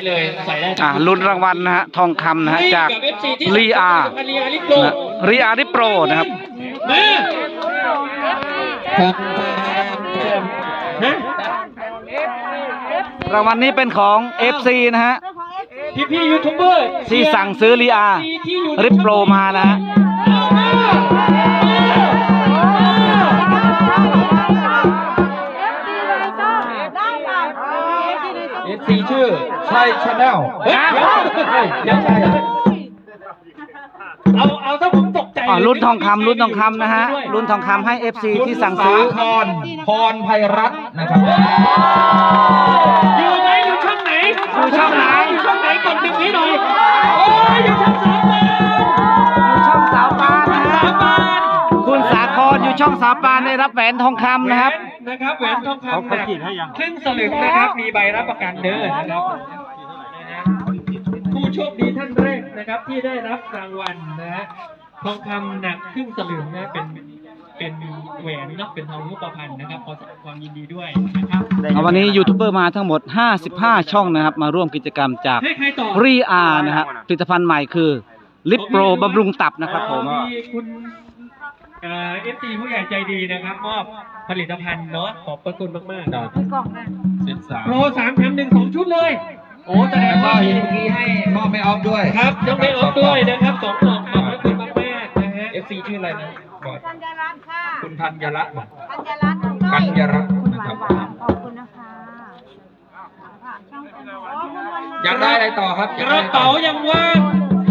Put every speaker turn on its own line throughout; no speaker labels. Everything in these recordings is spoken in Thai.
เลยใส่ได้
ลุ้นรางวัลนะฮะทองคำนะฮะจากรีอาริโปรนะครับรางวัลนี้เป็นของ FC นะฮะ
พี่ยูทูบเบอร์
ที่สั่งซื้อรีอาริโปรมานะฮะ
FC ชื่อใช่ชาแนล
ยังใช่เอาถ้าผมตกใจ
ลุ้นทองคำนะฮะลุ้นทองคำให้ FC ที่สั่งซื้อ
พรไพรัตน์นะครับ
อยู่ไหนอยู่ช่องไหน
อยู่ช่องไหน
กดดึงนี้หน่อยโอ้ยอยู่ช่องสาวปาน
นะฮะคุณสาครอยู่ช่องสาวปานได้รับแหวนทองคำนะครับ
แหวนทองคำหนักครึ่งสลึงนะครับมีใบรับประกันเด้อนะครับผู้โชคดีท่านแรกนะครับที่ได้รับรางวัลนะฮะทองคำหนักครึ่งสลึงนะเป็นแหวนเนาะเป็นทองรูปพรรณนะครับขอแสดงความยินดีด้วยนะครับ
วันนี้ยูทูบเบอร์มาทั้งหมด55ช่องนะครับมาร่วมกิจกรรมจากรีอานะครับผลิตภัณฑ์ใหม่คือลิปโปรบำรุงตับนะครับผม
คุณFT ผู้ใหญ่ใจดีนะครับมอบผลิตภัณฑ์เนาะขอบพระคุณมากๆโปร3 แถม 1 2 ชุดเลยโอ้แสดงว่า
เมื่อกี้ให้มอบไม่ออฟด้วย
ครับต้องไม่ออฟด้วยนะครับ2 กล่องขอบพระคุณมากๆนะฮะ
FC ชื่ออะไรนะบอก
ธัญรัตน์ค่ะ
คุณธัญรัตน์
ธัญรัตน์
นะครับ
ขอบคุณนะคะ
อยากได้อะไรต่อครับ
กระเป๋ายังว่าง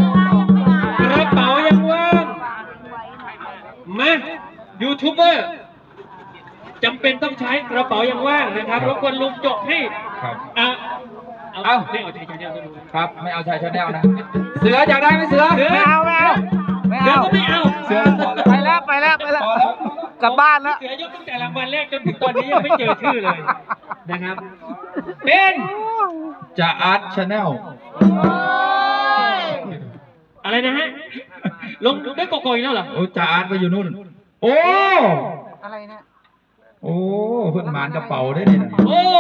มายูทูบเบอร์จำเป็นต้องใช้กระเป๋ายังว่างนะครับรบกวนลุงจกให้เอาไม่เอาชายชาแนล
ครับไม่เอาชายชาแนลนะเสืออยากได้ไหมเสือ
ไม่เอา
เสือก็ไม่เอา
เสือ
ไปแล้วกลับบ้านแล้ว
เสือยกตั้งแต่รางวัลแรกจนถึงตอนนี้ยังไม่เจอชื่อเลยนะครับเป็น
จ่าอาร์ตชาแนล
อะไรนะฮะลงได้กอกๆอีกแล้วเหรอ
โอ้จ่าอาร์ตไปอยู่นู่นโอ้
อะไรนะ
โอ้เพิ่นหมานกระเป๋าได้เนี่ย
โอ้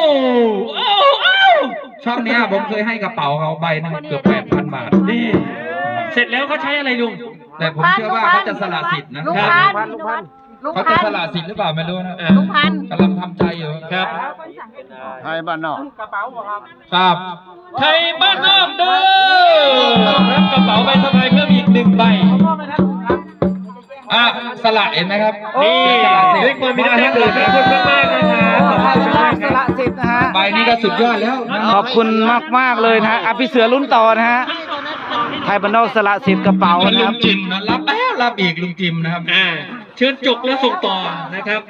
ช่องเนี้ยผมเคยให้กระเป๋าเขาใบนึงเกือบ 8,000 บาท
นี่เสร็จแล้วเขาใช้อะไรลุง
แต่ผมเชื่อว่าเขาจะสละสิทธิ์นะครับเขาจะสละสิทธิ์หรือเปล่าไม่รู้นะ
ลุงพัน
กำลังทำใจอยู่
ครับ
ไทยบ้านนอก
กระเป๋าครับ
ครับ
ไทยบ้านนอกเด้อรับกระเป๋าใบสบายเพิ่มอีก1 ใบ
สละเห็นไหมครับ
นี่ด้วยความมีน้ำใจขอบคุณมากนะครับ
สละสิทธิ์นะฮะ
ใบนี้ก็สุดยอดแล้ว
ขอบคุณมากเลยนะฮะพี่เสือลุ้นต่อนะฮะไทยบ้านนอกสละสิทธิ์กระเป๋านะ
ลุ
ครับ
งจิมนะรับแล้วรับอีกลุงจิมนะครับ
เชิญจกแล้วส่งต่อนะครับ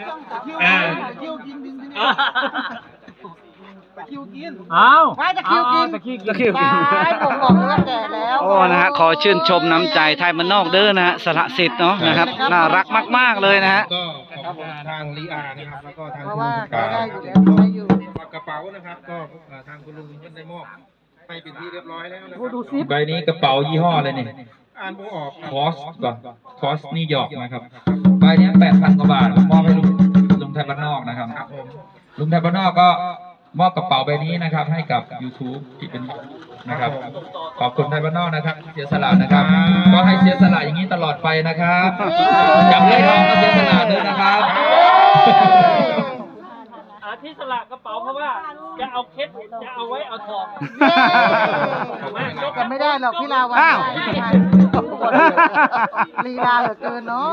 ว่าจะคิวกินผมบอกเลยว่าแก่แล้ว
โอ้นะฮะขอชื่นชมน้ำใจไทยบ้านนอกเด้อนะฮะสละสิทธิ์เนาะนะครับน่ารักมากๆเลยนะฮะ
ก็ขอบคุณทางลีอานะครับแล้วก็ทาง
คุณได้อยู่แล้วได้อยู่
กระเป๋านะครับก็ทางคุณลุงได้มอบไปเป็นที่เรียบร้อยแล้วนะครับใบนี้กระเป๋ายี่ห้ออะไรนี่อ่านออกคอสก่อนคอสนิวยอร์กนะครับใบนี้ 8,000 กว่าบาทมอบให้ลุงไทยบ้านนอกนะครับลุงไทยบ้านนอกก็มอบกระเป๋าใบนี้นะครับให้กับ YouTube ที่เป็นนะครับขอบคุณไทยบ้านนอกนะครับเสียสละนะครับก็ให้เสียสละอย่างนี้ตลอดไปนะครับจับเลยน้องก็เสียสละด้วยนะครับ
ที่สละกระเป๋าเพราะว่าจะเอาเคสจะเอาไว้เอาทอง
กันไม่ได้หรอกพี่ลาวันลีลาเหลือเกินเนาะ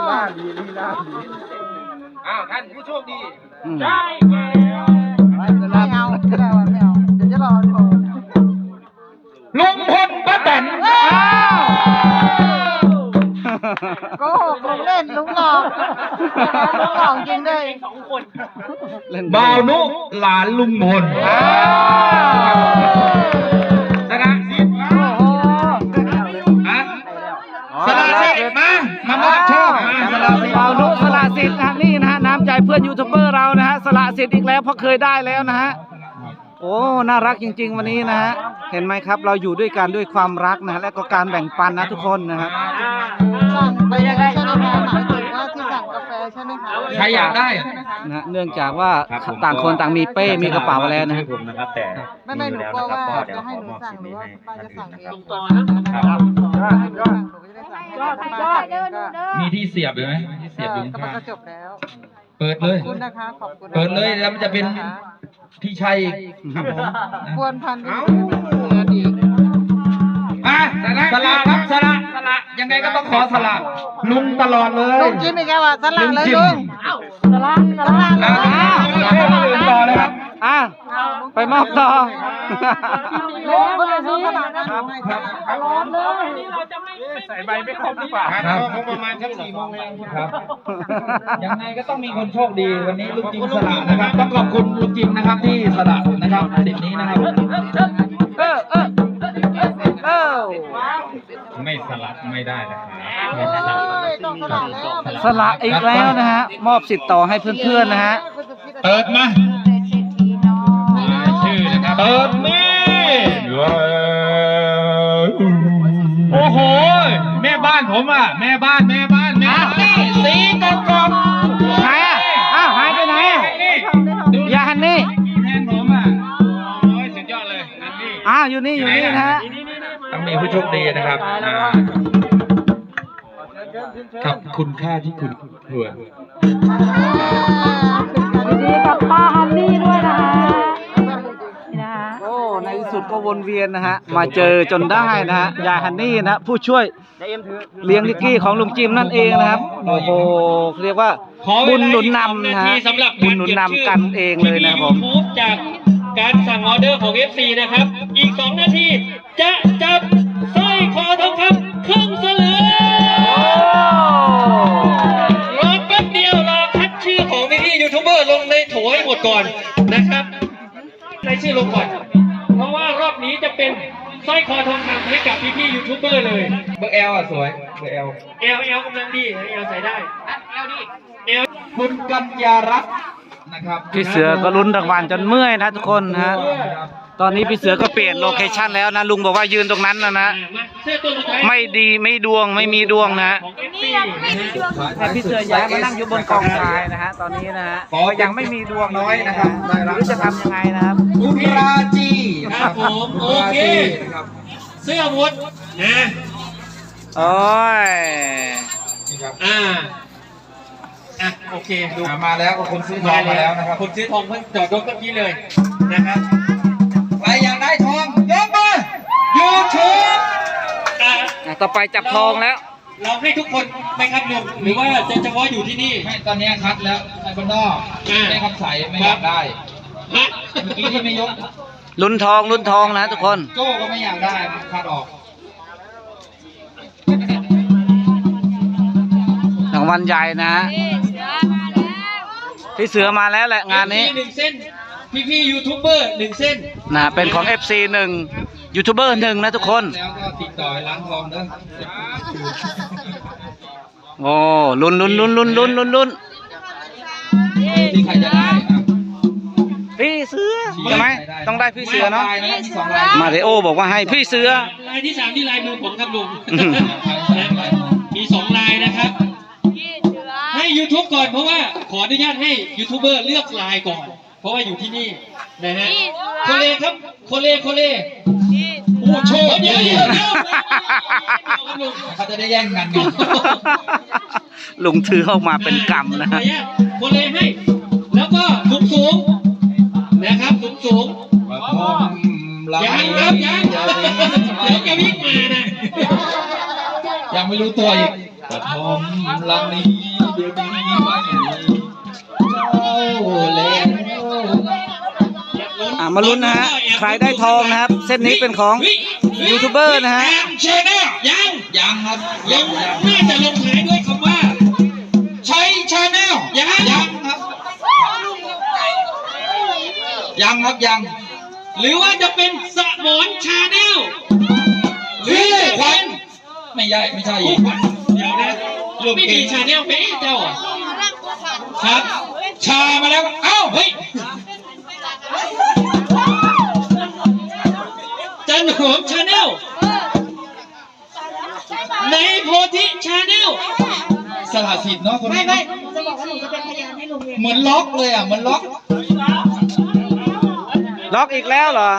ท่านผู้โชคดี
ได้
ไม่เอาเดี๋ยวจะรอ
ลุงพลป้าแตน
โกหกลุงเล่นลุงหลอกจริงด้วย
2 คน
บ่าวนุหลานลุงพลนะครับสละสิทธิ์มามอบโชค
สละสิทธิ์บ่าวนุสละสิทธิ์นะนี่นะฮะน้ำใจเพื่อนยูทูบเบอร์เรานะฮะสละสิทธิ์อีกแล้วเพราะเคยได้แล้วนะฮะโอ้น่ารักจริงๆวันนี้นะฮะเห็นไหมครับเราอยู่ด้วยกันด้วยความรักนะและก็การแบ่งปันนะทุกคนนะครับ
สั่งไปยังไงใช่ไหมหมายถึงว่าที่สั่งกาแฟเลยใช่ไหมคะ
ใครอยากได้อะ
นะฮะเนื่องจากว่าต่างคนต่างมีเป้มีกระเป๋าแล้วนะ
ผมนะครับแต่
ไม่หนูกลัวว่า
ก็เดี๋ยว
จะ
ข
ให้
อ
หนู
มอบ
สั่ง
ชิ้น
หรือ
นี้
ว่า
ให้
ป้าจะสั่งเอง
ต่อนะครับ
หนูก็จะได้สั่งให้ป้าสั่งเองก็
มีที่เสียบเลยไหมมีที่เสียบอยู่
ก็
ข้าง
ก็จบแล้ว
ๆเปิดเลย
ขอบคุณนะคะขอบคุณ
เปิดเลยแล้วมันจะเป็นพี่ชัยอีกครับผมนะ
ควรพันธุ์เดือนอีก
อ่ะสละครับสละยังไงก็ต้องขอสละลุงตลอดเลย
ลุงจิ้มอีกแล้วอ่ะสลัดเลยลุงสลัดเลย
ต่อเลยครับ
อ่ะไปมอบต่อ
ลุงเบอร์ซื้อสลัดนะครับ ร้อนเลย
ใส่ใบไม่ครบหรือเปล่า
ครับประมาณสัก4 โมงครับ ยังไงก็ต้องมีคนโชคดีวันนี้ลุงจิมสละนะครับ ต้องขอบคุณลุงจิมนะครับที่สละนะครับสิทธิ์นี้นะครับ
เออ
ไม่สลับไม่ได้นะครับ
ต้องสลัดแล้ว
สละอีกแล้วนะฮะ มอบสิทธิ์ต่อให้เพื่อนๆนะฮะ
เปิดมา
ชื่อนะครับ
เปิดมา
โอ้โห แม่บ้านผมอ่ะ แม่บ้านสีกกอก
ไหนอ่ะ อ้าวหายไปไหนอ่ะยาฮันนี่
แทนผมอ่ะ โอ้ยสุดยอดเลยอันนี้
อ้าวอยู่นี่นะฮะ
ต้องมีผู้โชคดีนะครับกับคุณค่าที่คุณควร
ดีกับป้าฮันนี่ด้วยนะคะนี่นะคะ
โอ้ในที่สุดก็วนเวียนนะฮะ มาเจอจนได้นะฮะยายฮันนี่นะผู้ช่วยเลี้ยงนิกกี้ของลุงจิมนั่นเองนะครับ โอ้โหเรียกว่าบุญหนุนนำนะฮะบุญหนุนนำกันเองเลยนะครับผม
YouTube จากการสั่งออเดอร์ของ FC นะครับ อีก 2 นาทีจะจับสร้อยคอทองคำครึ่งสลึงรอแป๊บเดียวรอคัดชื่อของพี่ๆยูทูบเบอร์ลงในโถให้หมดก่อนนะครับในชื่อลงก่อน เพราะว่ารอบนี้จะเป็นสร้อยคอทองคำให้กับพี่ๆยูทูบเบอร์เลย
เบอร์ L อ่ะสวยเบอร์ L
L กำลังดี L ใส่ได้ L
คุณกัญญารัตน์นะครับ
พี่เสือก็ลุ้นรางวัลจนเมื่อยนะทุกคนนะฮะ ตอนนี้พี่เสือก็เปลี่ยนโลเคชั่นแล้วนะลุงบอกว่ายืนตรงนั้นนะ
มา
นะ
เสื้อตัวสุดท้าย
ไม่ดีไม่ดวงไม่มีดวงนะฮะ
ของ FC
แต่พี่เสือย้ายมานั่งอยู่บนกองทรายนะฮะตอนนี้นะฮะก็ยังไม่มีดวง
น้อยนะครับ
ไม่รู้จะทำยังไงนะครับ
คุณราจี
ครับผมโอเค
นะครับ
เสื้อหมดนะ
โอ้ย
นี่ครับ
โอเคดู
มาแล้วก็คนซื้อทองมาแล้วนะครับ
คนซื้อทองเพิ่งจอดรถเมื่อกี้เลยนะครับ
ใครอยากได้ทองยกมือยูทูบ
อ่ะ
ต่อไปจับทองแล้ว
เราให้ทุกคนไหมครับลุงหรือว่าจะเฉพาะอยู่ที่นี่
ไม่ตอนนี้คัดแล้วไอ้คนนอก
อ่า
ไม่ครับใส่ไม่อยากได้
ฮะ
เมื่อกี้ที่ไม่ยก
ลุ้นทองนะทุกคน
โจ้ก็ไม่อยากได้คัดออก
รางวัลใหญ่นะพี่เสือมาแล้วแหละงานนี้
หนึ่งเส้นพี่ยูทูบเบอร์1 เส้น
นะเป็นของ FC 1ยูทูบเบอร์1นะทุกคน
แล้วก็ติดต่อร้านทองเด้อ
โอ้ลุ้น
ที่ใครจะได้ครับ
พี่เสือใช่ไหมต้องได้พี่เสือเนาะ
ลายนะครับมี2 ลาย
มาริโอบอกว่าให้พี่เสือ
ลายที่ 3ที่ลายมือผมครับลุง
อืม
มี 2 ลายนะครับ ให้ YouTube ก่อนเพราะว่าขออนุญาตให้ยูทูบเบอร์เลือกลายก่อน เพราะว่าอยู่ที่นี่นะฮะโคเลครับโคเลโอ้โชว์เดี๋ยวลุง
เขาจะได้แย่งกันไง
ลุงถือออกมาเป็นกำนะ
โคเลให้ แล้วก็สูงนะครับสูงยังครับยังเดี๋ยวจะวิ่งมานะ
ยังไม่รู้ตัวอีกกระทอมลำนี้เดี๋ยวนี้ไม่มีเจ้าแล้ว
มาลุ้นนะฮะใครได้ทองนะครับ เส้นนี้เป็นของยูทูบเบอร์นะฮะ
เชนยัง
ยังครับ
ลงน่าจะลงท้ายด้วยคำว่า
ใช้ชาแนล
ยัง
ครับยังครับยัง
หรือว่าจะเป็นสมอนชาแนลหรือจะ
ควั
เป็น
นไม่ใช่อีก
เดี๋ยวนะไม่มีชาแนลเป็นเจ้าอ่ะ
ครับ ชามาแล้วเอ้าเฮ้ย
จันหอมชาแนลในโพธิชาแนล
สละสิทธิ์เนาะคนนี้
ไม่
เนาะ
จะบอกว่า
เหมือนล็อกเลยอ่ะเหมือนล็อก
ล็อกอีกแล้วเหรอ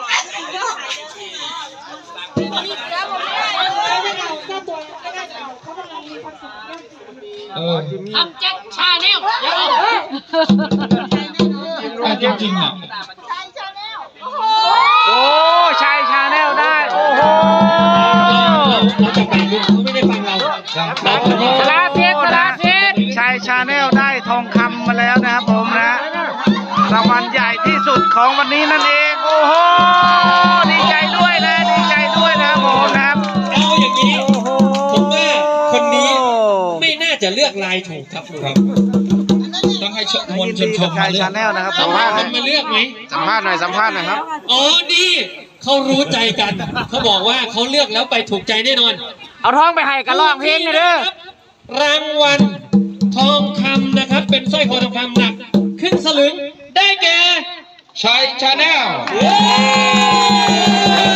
ทำแจ็คชาแนลเดี๋ยว
จริงๆอ่ะ
โอ้ชายชาแนลได้ โอ้โห
เราจะไปดูเขาไม่ได้ฟังเราเราคนนี้
สลาสิทธิ์สลาสิทธิ์ชายชาแนลได้ทองคำมาแล้วนะครับผมนะรางวัลใหญ่ที่สุดของวันนี้นั่นเอง โอ้โห ดีใจด้วยนะ ดีใจด้วยนะครับผมนะครับ
เอาอย่างนี้
โอ้โห
ผมว่าคนนี้ไม่น่าจะเลือกลายถูกครับลุง
ต้องให้ม
ยิ
น
น
ช
ดี
นช
กับ
ม
ชา
มาเลือ
ยชาก แนลนะครับ
ต้องให้คนมาเลือกไหม
สัมภาษณ์หน่อยสัมภาษณ์หน่อยครับ
อ๋อนี่เขารู้ใจกัน เขาบอกว่าเขาเลือกแล้วไปถูกใจแน่นอน
เอาท้องไปให้กันร้องเพลงเลยเด้อ
รางวัลทองคำนะครับ เป็นสร้อยคอทองคำหนักครึ่งสลึงได้แก่
ชัยชาแนล
เย้